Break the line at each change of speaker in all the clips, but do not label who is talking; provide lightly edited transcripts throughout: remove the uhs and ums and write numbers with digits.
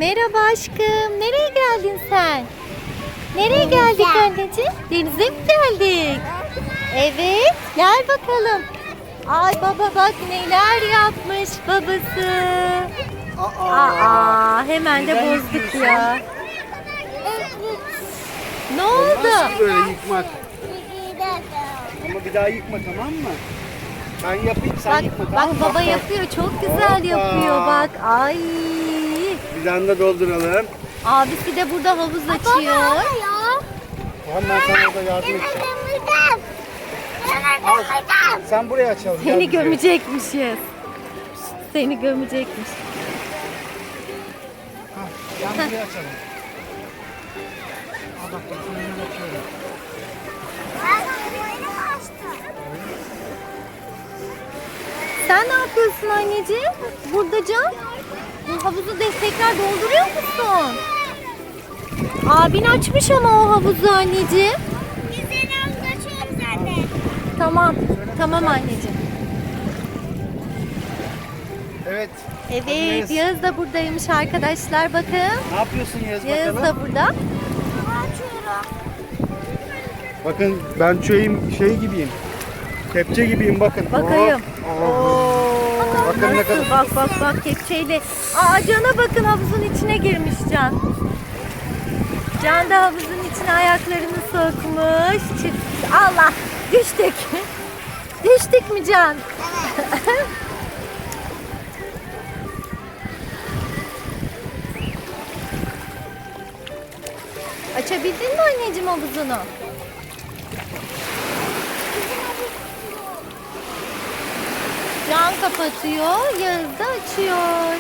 Merhaba aşkım. Nereye geldin sen? Nereye geldik anneciğim? Denize mi geldik? Evet. Gel bakalım. Ay baba bak neler yapmış babası. Aa, hemen de bozduk ya. Ne oldu?
Nasıl böyle yıkmak? Ama bir daha yıkma, tamam mı? Ben yapayım, sen
Bak,
yıkma, tamam
bak
mı?
baba yapıyor. Çok güzel
Hoppa.
yapıyor bak. Ay.
Bir tane de dolduralım.
Abisi de burada havuz açıyor.
Tamam, ben sana orada yardım edeceğim. Al, sen buraya açalım. gel
Seni
bize.
gömecekmişiz. Seni gömecekmiş.
Ha, ben buraya açalım. Al bak, ben sana hemen açıyorum.
Sen ne yapıyorsun anneciğim? Burada Can. Bu havuzu tekrar dolduruyor musun? Abin açmış ama o havuzu anneciğim. Tamam. Tamam anneciğim.
Evet.
Evet, Yağız da buradaymış arkadaşlar. Bakın.
Ne yapıyorsun Yağız
Yağız
bakalım?
da burada.
Bakın ben şey gibiyim. Kepçe gibiyim bakın.
Bakayım.
Oh, oh. Bakın ne kadar.
Bak kepçeyle. Aa Can'a bakın havuzun içine girmiş Can. Can da havuzun içine ayaklarını sokmuş. Allah düştük. Düştük mü Can? Açabildin mi anneciğim havuzunu? Can kapatıyor, Yağız da açıyor.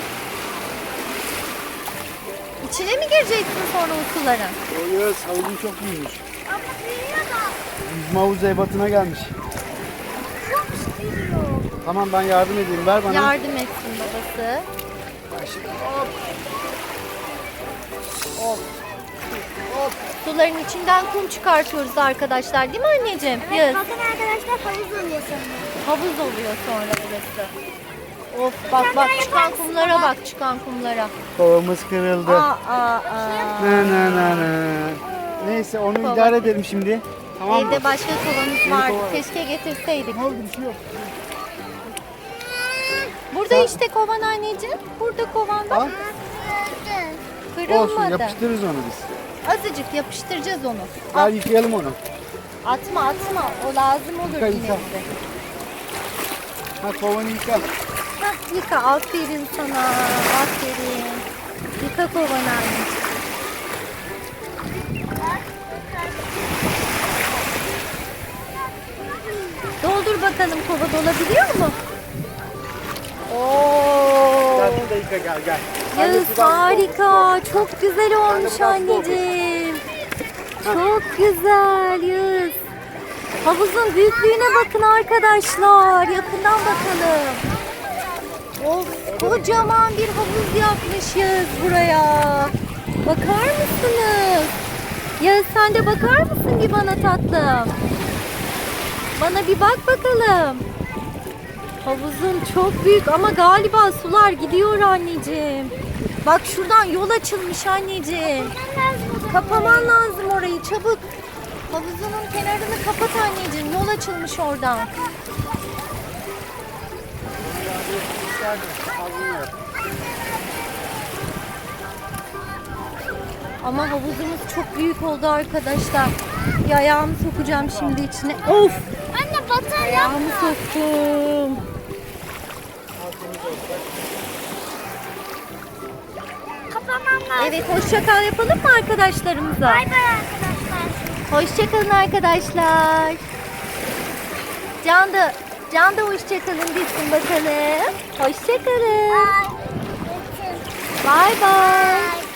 İçine mi gireceksin sonra o suların?
O Yağız havuzun çok büyümüş. Yüzme havuzu ebatına gelmiş. Tamam, ben yardım edeyim. Ver bana.
Yardım etsin babası.
Ben şimdi-
Hop. Suların içinden kum çıkartıyoruz arkadaşlar, değil mi anneciğim? Yağız.
Bakın arkadaşlar havuz oluyor sonra.
Havuz oluyor sonra burası. Of bak çıkan kumlara bak, çıkan kumlara.
Kovamız kırıldı.
Aa.
Na. Neyse, onu
Kova.
idare edelim şimdi. Tamam mı?
Evde başka kovanız
Yeni
vardı.
kova.
Keşke getirseydik.
Ne oldu, bir şey yok.
Burada işte kovan anneciğim. Burada kovan
Al.
bak.
Olsun,
Kırılmadı.
yapıştırırız onu biz.
Azıcık yapıştıracağız onu. Al,
Gel yıkayalım onu.
atma. O lazım olur
Yıka,
yine
yıka.
bize.
Ha, kovanı yıka.
Hah, yıka. Aferin sana. Aferin. Yıka kovanı anneciğim. Doldur bakalım, kova dolabiliyor mu? Oo.
Gel burada yıka, gel. Ben de
Yağız
sudan
harika. Çok güzel olmuş
biraz
anneciğim. Çok güzel Yağız. Havuzun büyüklüğüne bakın arkadaşlar. Yakından bakalım. Of, kocaman bir havuz yapmış Yağız buraya. Bakar mısınız? Yağız sen de bakar mısın bir bana tatlım? Bana bir bak bakalım. Havuzun çok büyük ama galiba sular gidiyor anneciğim. Bak şuradan yol açılmış anneciğim. Kapaman lazım orayı çabuk. Havuzunun kenarını kapat anneciğim. Yol açılmış oradan. Ama havuzumuz çok büyük oldu arkadaşlar. Bir ayağımı sokacağım şimdi içine. Of!
Anne batar
Ayağımı soktum.
Kapamam lazım.
Evet, hoşça kal yapalım mı arkadaşlarımıza?
Bay bay arkadaşlar.
Hoşça kalın arkadaşlar. Can da hoşça kalın desin bakalım. Hoşça kalın.
Bay.
Bay bay.
Bay.